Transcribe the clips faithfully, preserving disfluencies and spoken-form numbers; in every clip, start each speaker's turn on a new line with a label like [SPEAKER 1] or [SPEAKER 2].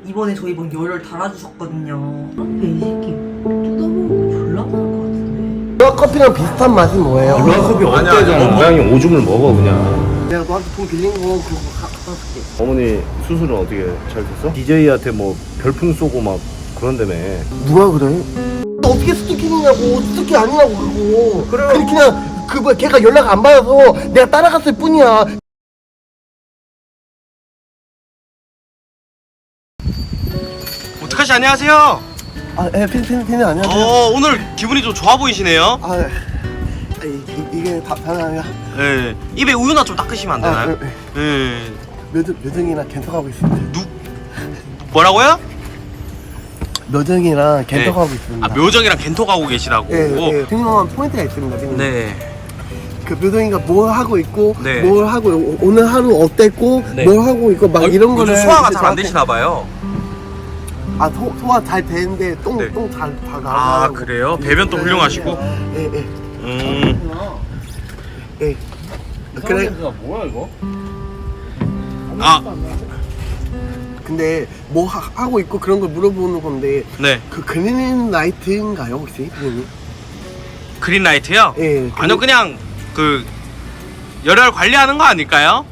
[SPEAKER 1] 이번에 저희 뭐 열을 달아주셨거든요. 근데 이 새끼 뜯어보고 졸라 많을 것 같은데.
[SPEAKER 2] 루아 커피랑 비슷한 맛이 뭐예요?
[SPEAKER 3] 루아 커피 어때잖아. 고양이 오줌을 먹어 그냥.
[SPEAKER 2] 내가 너한테 돈 빌린 거 그거 갖다 줄게.
[SPEAKER 3] 어머니 수술은 어떻게 잘 됐어? 디제이한테 뭐 별풍 쏘고 막 그런다며.
[SPEAKER 2] 누가 그래? 어떻게 스토킹이냐고. 스토킹 아니냐고 그거. 그래. 그냥 그 뭐 걔가 연락 안 받아서 내가 따라갔을 뿐이야.
[SPEAKER 4] 오타카씨 안녕하세요.
[SPEAKER 2] 아, 예, 팬팬팬 안녕하세요.
[SPEAKER 4] 어 오늘 기분이 좀 좋아 보이시네요.
[SPEAKER 2] 아, 아 이, 이, 이게 다 다나야.
[SPEAKER 4] 예. 입에 우유나 좀 닦으시면 안 되나요?
[SPEAKER 2] 아, 네.
[SPEAKER 4] 예.
[SPEAKER 2] 몇 몇등이나 겐터가고 있습니다.
[SPEAKER 4] 누 뭐라고요?
[SPEAKER 2] 묘정이랑 겐터
[SPEAKER 4] 네.
[SPEAKER 2] 가고 있습니다.
[SPEAKER 4] 아 묘정이랑 겐토 가고 계시다고.
[SPEAKER 2] 예, 예. 중요한 포인트가 있습니다. 지금.
[SPEAKER 4] 네.
[SPEAKER 2] 그 묘정이가 뭘 하고 있고,
[SPEAKER 4] 네.
[SPEAKER 2] 뭘 하고 오- 오늘 하루 어땠고,
[SPEAKER 4] 네.
[SPEAKER 2] 뭘 하고 있고 막 이런
[SPEAKER 4] 요즘
[SPEAKER 2] 거를
[SPEAKER 4] 소화가
[SPEAKER 2] 이제
[SPEAKER 4] 잘 안
[SPEAKER 2] 저한테-
[SPEAKER 4] 되시나 봐요.
[SPEAKER 2] 아 소, 소화 잘 되는데 똥
[SPEAKER 4] 네.
[SPEAKER 2] 똥 잘 잘 나가고.
[SPEAKER 4] 아 그래요? 배변도 훌륭하시고.
[SPEAKER 2] 예, 예.
[SPEAKER 4] 음.
[SPEAKER 2] 예. 그래.
[SPEAKER 3] 뭐야 이거?
[SPEAKER 4] 아
[SPEAKER 2] 근데 뭐 하, 하고 있고 그런 걸 물어보는 건데
[SPEAKER 4] 네.
[SPEAKER 2] 그 그린 라이트인가요 혹시 선생님?
[SPEAKER 4] 그린라이트요?
[SPEAKER 2] 예.
[SPEAKER 4] 아니요 그냥 그 열혈 관리하는 거 아닐까요?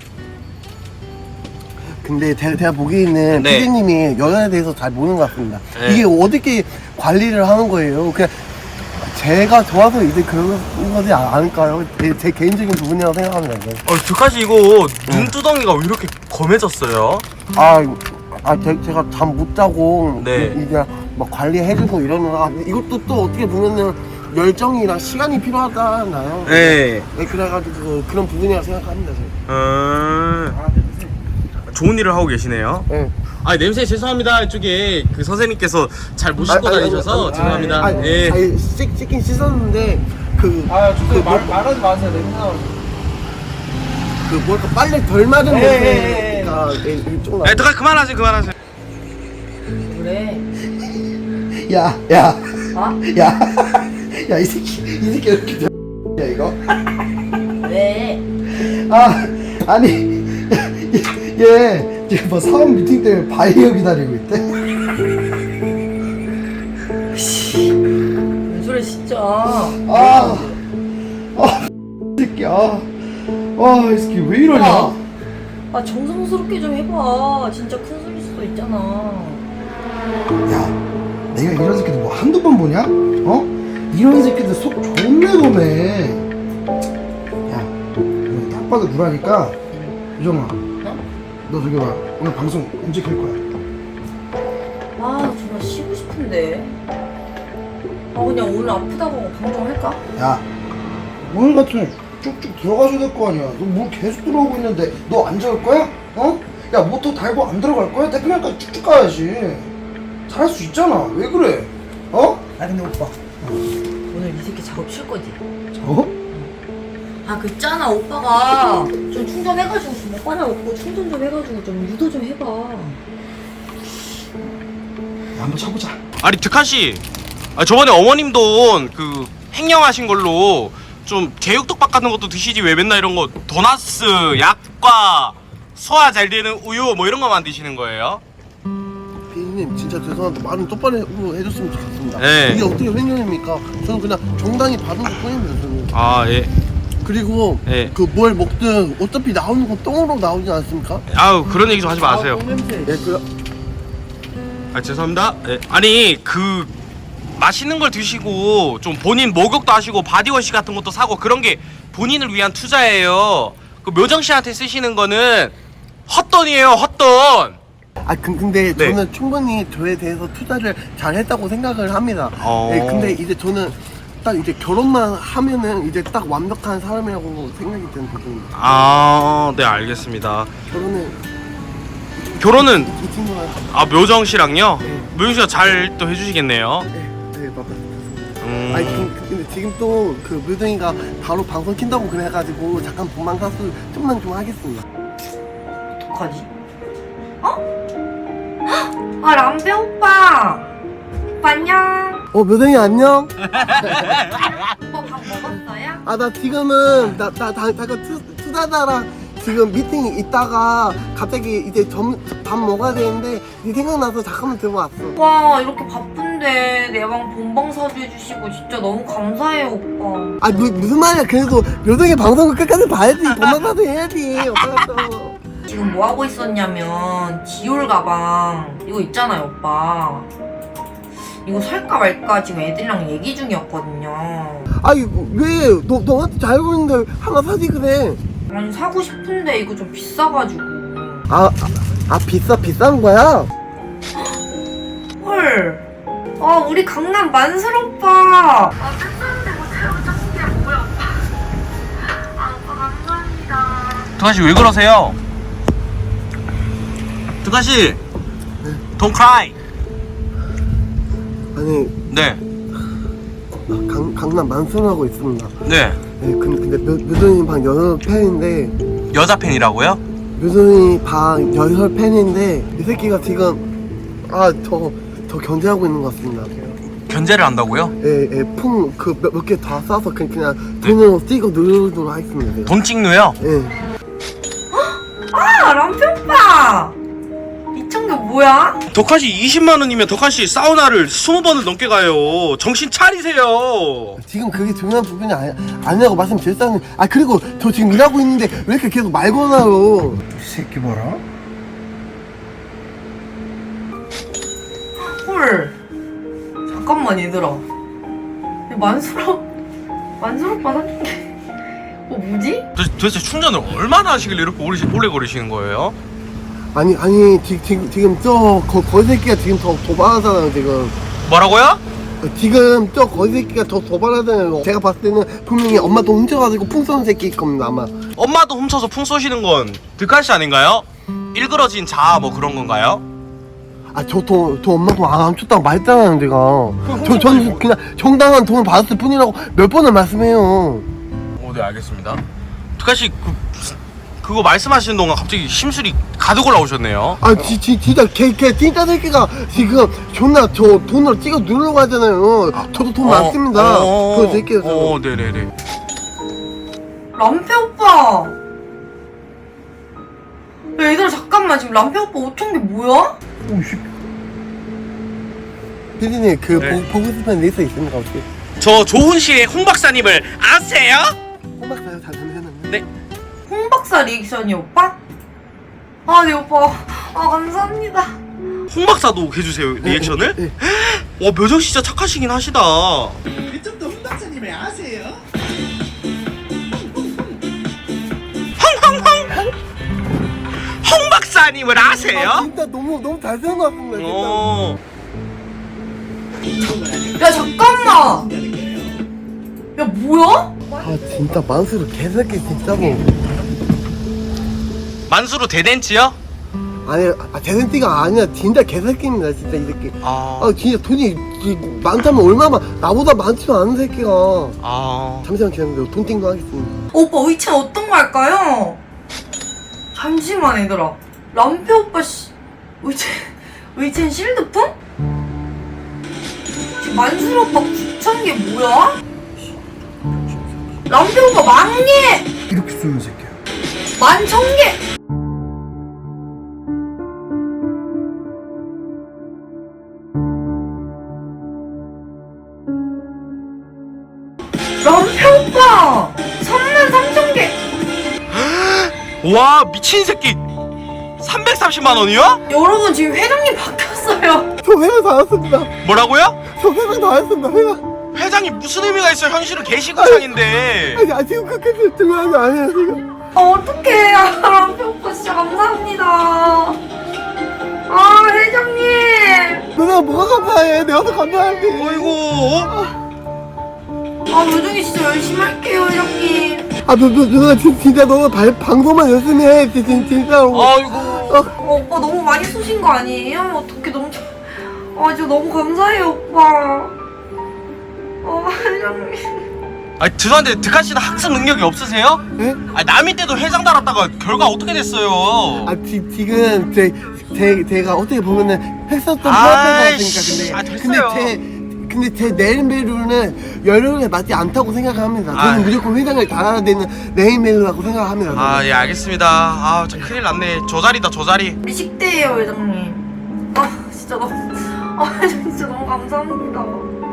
[SPEAKER 2] 근데 제가, 제가 보기에는
[SPEAKER 4] 네.
[SPEAKER 2] 피디님이 연애에 대해서 잘 모르는 것 같습니다.
[SPEAKER 4] 네.
[SPEAKER 2] 이게 어떻게 관리를 하는 거예요? 그냥 제가 좋아서 이제 그런 거지 않을까요? 제, 제 개인적인 부분이라고 생각합니다. 이건.
[SPEAKER 4] 어 득하씨 이거 눈두덩이가 왜 이렇게 검해졌어요?
[SPEAKER 2] 아, 아 제, 제가 잠 못 자고
[SPEAKER 4] 네.
[SPEAKER 2] 이- 이제 막 관리해주고 이러느라 이것도 또 어떻게 보면은 열정이랑 시간이 필요하잖아요.
[SPEAKER 4] 네.
[SPEAKER 2] 네, 그래가지고 그런 부분이라고 생각합니다. 제가.
[SPEAKER 4] 음... 좋은 일을 하고 계시네요.
[SPEAKER 2] 네.
[SPEAKER 4] 아 냄새 죄송합니다. 이쪽에 그 선생님께서 잘 못 씻고
[SPEAKER 2] 아니, 아니,
[SPEAKER 4] 다니셔서
[SPEAKER 2] 아니,
[SPEAKER 4] 죄송합니다.
[SPEAKER 2] 아니,
[SPEAKER 4] 예.
[SPEAKER 2] 아니, 씻, 씻긴 씻었는데 그.
[SPEAKER 5] 아,
[SPEAKER 2] 그
[SPEAKER 5] 주세요. 말,
[SPEAKER 2] 뭐-
[SPEAKER 5] 말하지 마세요. 냄새 나오는
[SPEAKER 2] 그 뭘까 빨래 덜 맞은
[SPEAKER 5] 예,
[SPEAKER 2] 냄새가 이쪽 나.
[SPEAKER 4] 에 득하 그만하세요 그만하세요.
[SPEAKER 1] 그래.
[SPEAKER 2] 야, 야,
[SPEAKER 1] 어?
[SPEAKER 2] 야, 야 이 새끼, 이 새끼 이렇게 야 이거.
[SPEAKER 1] 왜?
[SPEAKER 2] 아, 아니 얘 지금 뭐 사업 미팅 때문에 바이어 기다리고 있대.
[SPEAKER 1] 뭔 소리 진짜.
[SPEAKER 2] 아, 아, 이 새끼, 아, 아, 이 새끼 왜 이러냐?
[SPEAKER 1] 아, 아 정성스럽게 좀 해봐. 진짜 큰 소리일 수도 있잖아.
[SPEAKER 6] 야, 내가 이런 새끼들 뭐 한두 번 보냐? 어? 이런 새끼들 속 존내 검해. 야, 이거 딱 봐도 구라니까. 유정아, 너 저기 봐. 오늘 방송 언제 켤 거야?
[SPEAKER 1] 아 정말 쉬고 싶은데. 아 그냥 오늘 아프다고 방송할까?
[SPEAKER 6] 야, 오늘 같은 쭉쭉 들어가줘야 될 거 아니야. 너 뭘 계속 들어오고 있는데 너 안 적을 거야? 어? 야, 모터 달고 안 들어갈 거야? 대표님까지 쭉쭉 가야지. 잘할 수 있잖아. 왜 그래? 어? 아 근데 오빠.
[SPEAKER 1] 오늘 이 새끼 작업 칠 거지?
[SPEAKER 6] 저?
[SPEAKER 1] 아 그 있잖아 오빠가 좀 충전해가지고 좀 오빠랑 없고 충전 좀 해가지고 좀 유도 좀 해봐.
[SPEAKER 6] 야, 한번 쳐보자.
[SPEAKER 4] 아니 득하씨 아, 저번에 어머님 돈 그 횡령하신 걸로 좀 제육덮밥 같은 것도 드시지 왜 맨날 이런 거 도나스, 약과, 소화 잘 되는 우유 뭐 이런 거만 드시는 거예요?
[SPEAKER 2] 피디님 진짜 죄송한데 말은 똑바로 해줬으면 좋겠습니다.
[SPEAKER 4] 네.
[SPEAKER 2] 이게 어떻게 횡령입니까? 저는 그냥 정당히 받은 것 뿐입니다. 저는.
[SPEAKER 4] 아 예.
[SPEAKER 2] 그리고
[SPEAKER 4] 네.
[SPEAKER 2] 그 뭘 먹든 어차피 나오는 건 똥으로 나오지 않습니까?
[SPEAKER 4] 아우 그런 얘기 좀 하지 마세요.
[SPEAKER 2] 예, 그
[SPEAKER 4] 아 죄송합니다. 예. 아니 그 맛있는 걸 드시고 좀 본인 목욕도 하시고 바디워시 같은 것도 사고 그런 게 본인을 위한 투자예요. 그 묘정 씨한테 쓰시는 거는 헛돈이에요, 헛돈.
[SPEAKER 2] 아 그, 근데
[SPEAKER 4] 네.
[SPEAKER 2] 저는 충분히 저에 대해서 투자를 잘 했다고 생각을 합니다.
[SPEAKER 4] 어.
[SPEAKER 2] 예, 근데 이제 저는 딱 이제 결혼만 하면은 이제 딱 완벽한 사람이라고 생각이 드는 부분입니다.
[SPEAKER 4] 아, 네 알겠습니다.
[SPEAKER 2] 결혼은
[SPEAKER 4] 결혼은
[SPEAKER 2] 이 친구랑
[SPEAKER 4] 아 묘정 씨랑요?
[SPEAKER 2] 네.
[SPEAKER 4] 묘정 씨가 잘 또 해주시겠네요.
[SPEAKER 2] 네, 네 맞다.
[SPEAKER 4] 음.
[SPEAKER 2] 아니 그, 근데 지금 또 그 묘정이가 바로 방송 킨다고 그래가지고 잠깐 본방 사수 좀만 좀 하겠습니다.
[SPEAKER 1] 어떡하지? 어? 아 람배 오빠. 오빠 안녕.
[SPEAKER 2] 어 묘정이 안녕.
[SPEAKER 1] 오빠 밥 먹었어요?
[SPEAKER 2] 아 나 지금은 나나 잠깐 투자자랑 지금 미팅 있다가 갑자기 이제 점, 밥 먹어야 되는데 네 생각나서 잠깐만 들어왔어.
[SPEAKER 1] 오빠 이렇게 바쁜데 내 방 본방사수 해주시고 진짜 너무 감사해요 오빠.
[SPEAKER 2] 아 무, 무슨 말이야. 그래도 묘동이 방송을 끝까지 봐야지. 본방사수 해야지. 오빠가.
[SPEAKER 1] 지금 뭐 하고 있었냐면 디올 가방 이거 있잖아요 오빠. 이거 살까 말까 지금 애들이랑 얘기 중이었거든요.
[SPEAKER 2] 아니 왜 너, 너한테 잘 보이는데 하나 사지 그래.
[SPEAKER 1] 아니 사고 싶은데 이거 좀 비싸가지고.
[SPEAKER 2] 아, 아, 아 비싸 비싼 거야?
[SPEAKER 1] 헐. 아 우리 강남 만슬 오빠.
[SPEAKER 4] 두가씨 왜 그러세요? 두가씨 Don't cry.
[SPEAKER 2] 아니
[SPEAKER 4] 네.
[SPEAKER 2] 강, 강남 만수하고 있습니다.
[SPEAKER 4] 네.
[SPEAKER 2] 네, 근데, 근데 묘, 묘동이 방 여섯 팬인데
[SPEAKER 4] 여자 팬이라고요?
[SPEAKER 2] 묘동이 방 여섯 팬인데 이 새끼가 지금 아저 저 견제하고 있는 것 같습니다.
[SPEAKER 4] 견제를 한다고요?
[SPEAKER 2] 예, 예, 풍그 몇 개 다 싸서 그냥, 그냥 돈으로 찍어 누르도록 하겠습니다. 제가.
[SPEAKER 4] 돈 찍누요?
[SPEAKER 2] 예.
[SPEAKER 1] 아 람피 오빠. 이천 개 뭐야?
[SPEAKER 4] 덕한씨 이십만 원이면 덕한씨 사우나를 이십 번을 넘게 가요. 정신 차리세요.
[SPEAKER 2] 지금 그게 중요한 부분이 아니, 아니라고 말씀드렸다는. 아 그리고 저 지금 일하고 있는데 왜 이렇게 계속 말 거나요?
[SPEAKER 6] 이 새끼 봐라.
[SPEAKER 1] 헐. 잠깐만 얘들아. 만수라 만수라 오빠 사준 게. 어 뭐지?
[SPEAKER 4] 도, 도대체 충전을 얼마나 하시길래 이렇게 오래, 오래 걸리시는 거예요?
[SPEAKER 2] 아니 아니 지, 지, 지금 저 거, 거지 새끼가 지금 더 도발하잖아요 지금.
[SPEAKER 4] 뭐라고요?
[SPEAKER 2] 지금 저 거지 새끼가 더 도발하잖아요. 제가 봤을 때는 분명히 엄마 돈 훔쳐가지고 풍 쏘는 새끼일 겁니다 아마.
[SPEAKER 4] 엄마도 훔쳐서 풍 쏘시는 건 득한씨 아닌가요? 일그러진 자아 뭐 그런 건가요?
[SPEAKER 2] 아 저 돈 저 엄마 돈 안 훔쳤다고 말했잖아요 제가. 저 저는 그냥 정당한 돈을 받았을 뿐이라고 몇 번을 말씀해요.
[SPEAKER 4] 어, 네 알겠습니다. 득한씨 그, 그거 말씀하시는 동안 갑자기 심술이 가득 올라오셨네요.
[SPEAKER 2] 아 지, 지, 진짜 걔, 걔 진짜 새끼가 지금 존나 저 돈으로 찍어 누르려고 하잖아요. 저도 돈 많습니다. 그 새끼가 저.
[SPEAKER 4] 어, 네네네.
[SPEAKER 1] 람페 오빠. 야, 얘들아 잠깐만 지금 람페 오빠 오천 개 뭐야?
[SPEAKER 6] 오씨.
[SPEAKER 2] 피디님 그
[SPEAKER 4] 네.
[SPEAKER 2] 보, 보고 싶은 리스트 있습니까 혹시?
[SPEAKER 4] 저 조훈씨의 홍 박사님을 아세요?
[SPEAKER 2] 호박사요 잘 전해놨네.
[SPEAKER 4] 네.
[SPEAKER 1] 홍 박사 리액션이 오빠? 아 네 오빠. 아 감사합니다.
[SPEAKER 4] 홍 박사도 해주세요 리액션을?
[SPEAKER 2] 네.
[SPEAKER 4] 와 묘정 진짜 착하시긴 하시다.
[SPEAKER 5] 그쪽도 홍 박사님을 아세요?
[SPEAKER 4] 홍홍홍 홍 박사님을
[SPEAKER 2] 아
[SPEAKER 4] 아세요?
[SPEAKER 2] 진짜 너무 너무 잘 생각났습니다 진짜.
[SPEAKER 4] 어.
[SPEAKER 1] 야 잠깐만. 야 뭐야?
[SPEAKER 2] 아 진짜 만수로 개새끼 진짜 뭐.
[SPEAKER 4] 만수르 대댄치요?
[SPEAKER 2] 아니 아 대센티가 아니라 진짜 개새끼입니다 진짜 이 새끼.
[SPEAKER 4] 아,
[SPEAKER 2] 아 진짜 돈이 이, 많다면 얼마만 나보다 많지도 않은 새끼가.
[SPEAKER 4] 아,
[SPEAKER 2] 잠시만 기다려요. 돈 띵도 하겠습니다.
[SPEAKER 1] 오빠 의체 어떤 거 할까요? 잠시만 얘들아. 람페 오빠 씨 의체 의체는 실드품? 지금 만수르 오빠 구천 개 뭐야? 람페 오빠 만 개!
[SPEAKER 6] 이렇게 쏘는 새끼야.
[SPEAKER 1] 만 천 개! 람페 오빠! 삼만 삼천 개!
[SPEAKER 4] 와 미친 새끼. 삼백삼십만 원이요?
[SPEAKER 1] 여러분 지금 회장님 바뀌었어요.
[SPEAKER 2] 저 회장 다 왔습니다.
[SPEAKER 4] 뭐라고요?
[SPEAKER 2] 저 회장 다 왔습니다. 회장.
[SPEAKER 4] 회장이 무슨 의미가 있어요? 현실은 개시구창인데.
[SPEAKER 2] 아니 아 지금 그렇게 중요한 게 아니에요 지금.
[SPEAKER 1] 아 어떡해. 아, 람페 오빠 진짜 감사합니다. 아 회장님.
[SPEAKER 2] 누나 뭐가 감사해? 내가 더 감사할게.
[SPEAKER 4] 어이구.
[SPEAKER 1] 아 요정이 진짜 열심히 할게요 회장님.
[SPEAKER 2] 아, 너, 너, 누나 진, 진짜 너 발, 방송만 열심히 해. 진, 진, 진짜로.
[SPEAKER 4] 아이고.
[SPEAKER 1] 어, 오빠 너무 많이 쏘신 거 아니에요? 어떻게 너무 참- 아 진짜 너무 감사해요 오빠. 어 회장님.
[SPEAKER 4] 아니 죄송한데 득한 씨는 학습 능력이 없으세요?
[SPEAKER 2] 예?
[SPEAKER 4] 아니 남이 때도 회장 달았다가 결과 어떻게 됐어요?
[SPEAKER 2] 아, 지, 지금, 제, 제, 제가 어떻게 보면은 했었던
[SPEAKER 4] 아이씨,
[SPEAKER 2] 프로페서니까
[SPEAKER 4] 아,
[SPEAKER 2] 근데.
[SPEAKER 4] 됐어요.
[SPEAKER 2] 근데 제, 근데 제 네임밸류는 연령에 맞지 않다고 생각합니다. 저는
[SPEAKER 4] 아이.
[SPEAKER 2] 무조건 회장을 달아야 되는 네임밸류라고 생각합니다.
[SPEAKER 4] 아 예 알겠습니다. 아 저 큰일 났네. 저 자리다 저 자리.
[SPEAKER 1] 우리 식대예요 회장님. 너무 아 진짜 너무 감사합니다.